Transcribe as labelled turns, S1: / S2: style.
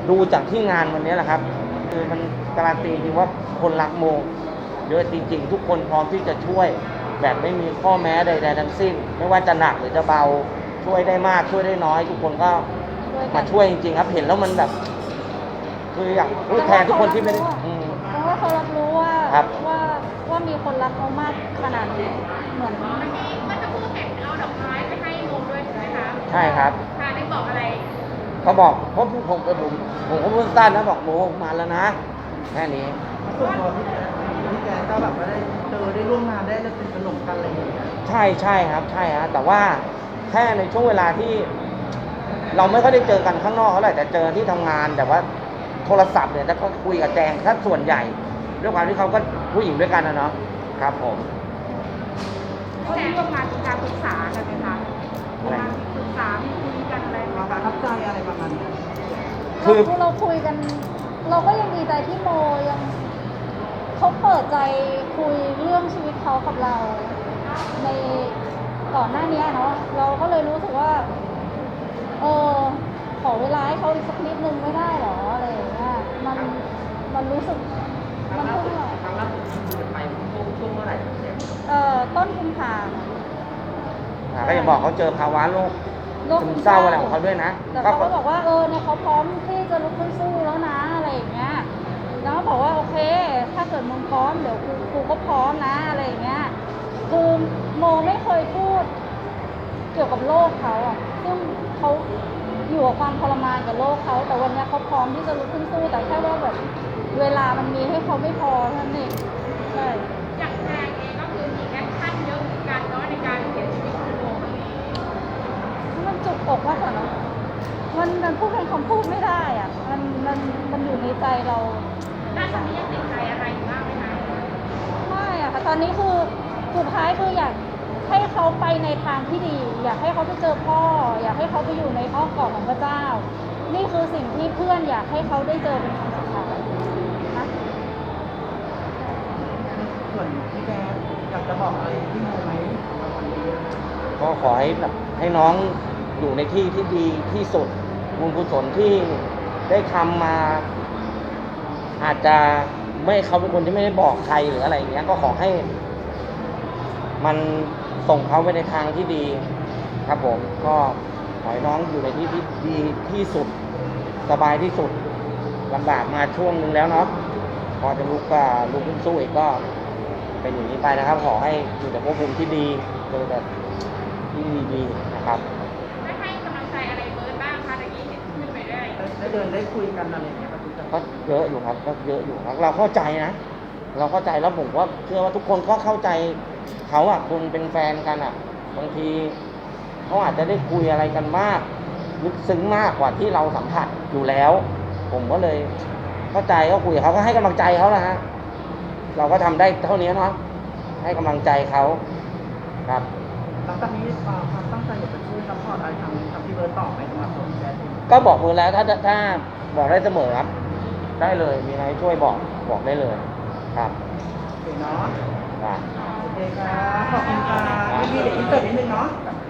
S1: ดูจากที่งานวันนี้แหละครับคือมันการันตีจริงว่าคนรักโมเยอะจริงๆทุกคนพร้อมที่จะช่วยแบบไม่มีข้อแม้ใดๆทั้งสิ้นไม่ว่าจะหนักหรือจะเบาช่วยได้มากช่วยได้น้อยทุกคนก็มาช่วยจริงๆครับเห็นแล้วมันแบบคืออยากพูดแทนทุกคนที่ไม่ได้
S2: เพราะว่าเขารับรู้ว่าว่ามีคนรักเขามากขนาดนี้เหมือน
S3: มันจะพูดเห็นเอาดอกไม้ไปให้โมด้วยใช่ไหมคะ
S1: ใช่ครับ
S3: ค่ะได้บอกอะไร
S1: เขาบอกเพราะผมก็พูดสั้นนะบอกโมมาแล้วนะแค่นี้
S4: ส่วนตัวพี่แกก็แบบว่าได้เจอได้ร่วมงานได้สนิทสนมกันอะไรอย่างเงี้ย
S1: ใช่ครับใช่ฮะแต่ว่าแค่ในช่วงเวลาที่เราไม่ค่อยได้เจอกันข้างนอกเท่าไหร่แต่เจอที่ทำงานแต่ว่าโทรศัพท์เนี่ยถ้าเขาคุยกับแจงถ้าส่วนใหญ่ด้วยความที่เขาก็ผู้หญิงด้วยกันนะเนาะครับผม
S3: แจงก็มาการปรึกษากันไหมคะมาปรึกษามีคุยกันอะไร
S4: มาประทับใจอะไรประมาณนี้
S2: คือเราคุยกันเราก็ยังดีใจที่โมยังเขาเปิดใจคุยเรื่องชีวิตเขากับเราในก่อนหน้านี้เนาะเราก็เลยรู้สึกว่าขอเวลาให้เขาอีกสักนิดนึงไม่ได้หรออะไรอย่างเงี้ยมันรู้สึกมันเพิ่ง
S4: ครั้งล่าสุดที่ไปช่วงเมื่อไหร่
S2: ต้นกุมภา
S1: ก็จะบอกเขาเจอภาวะโรคซึมเศร้าอะไรของเขาด้วยนะ
S2: แต่เขาก็บอกว่าเนี่ยเขาพร้อมที่จะลุกขึ้นสู้แล้วนะอะไรอย่างเงี้ยแล้วก็บอกว่าโอเคถ้าเกิดมึงพร้อมเดี๋ยวกูก็พร้อมนะอะไรอย่างเงี้ยคือโมไม่เคยพูดเกี่ยวกับโลกเขาอ่ะซึ่งเขาอยู่กับความทรมานกับโลกเขาแต่วันนี้เขาพร้อมที่จะลุกขึ้นสู้แต่แค่ว่าแบบเวลามันมีให้เขาไม่พอเท่านั้นเองใช่
S3: อย่างแจงเองก็คือมีแอคชั่นเยอะเหมือนกันเนาะในการเขียนชีวิตของโม
S2: มันจุกอกมากกว่าเนาะมันพูดเป็นคำพูดไม่ได้อ่ะมันอยู่ในใจเรา
S3: น่าจะไม่ยังติดใจอะไรอยู่บ้างไหมคะ
S2: ไม่อะค่ะตอนนี้คือสุดท้ายคืออยากให้เขาไปในทางที่ดีอยากให้เขาไปเจอพ่ออยากให้เขาไปอยู่ในอ้อมกอดของพระเจ้านี่คือสิ่งที่เพื่อนอยากให้เขาได้เจอเป็นครั้งสุดท้ายนะ
S4: ส่วนพี่แกอยากจะบอกอะไรพี่โมไหมวันนี้
S1: ก็ขอให้แบบให้น้องอยู่ในที่ที่ดีที่สุดบุญกุศลที่ได้ทำมาอาจจะไม่เขาเป็นคนที่ไม่ได้บอกใครหรืออะไรอย่างเงี้ยก็ขอให้มันส่งเขาไปในทางที่ดีครับผมก็ขอให้น้องอยู่ในที่ที่ดีที่สุดสบายที่สุดลำบากมาช่วงนึงแล้วเนาะพอจะลุกขึ้นสู้อีกก็เป็นอย่างนี้ไปนะครับขอให้อยู่แต่ภพภูมิที่ดีเจอแบบที่ดีๆนะครับ
S3: ได้ให้กำลังใจอะไรเบิร์ดบ้างคะตะกี้เห็นขึ้นไปได้
S4: เดินได้คุยกันอะไรอย่างเงี้ย
S1: ก็เยอะอยู่ครับก็เยอะอยู่ครับเราเข้าใจนะเราเข้าใจแล้วผมว่าเชื่อว่าทุกคนก็เข้าใจเขาอ่ะคนเป็นแฟนกันอ่ะบางทีเขาอาจจะได้คุยอะไรกันมากลึกซึ้งมากกว่าที่เราสัมผัสอยู่แล้วผมก็เลยเข้าใจก็คุยกับเขาก็ให้กำลังใจเขานะฮะเราก็ทำได้เท่านี้เนาะให้กำลังใจเขาครับ
S4: หลังจากนี้ความตั้งใจอยากจะช่วยซัพพอร์ตอะไรทางพี่เบิร์ดต่อไหมสำหรับตัวพี่แจ๊ด
S1: ก็บอกเพื่อนแล้วถ้าบอกได้เสมอครับได้เลยมีอะไรช่วยบอกได้เลยครับ
S4: โอเคเนาะ
S1: ครับ
S4: โอเคครับขอบคุณครับพี่เดี๋ยวอินเตอร์นิดนึงเนาะ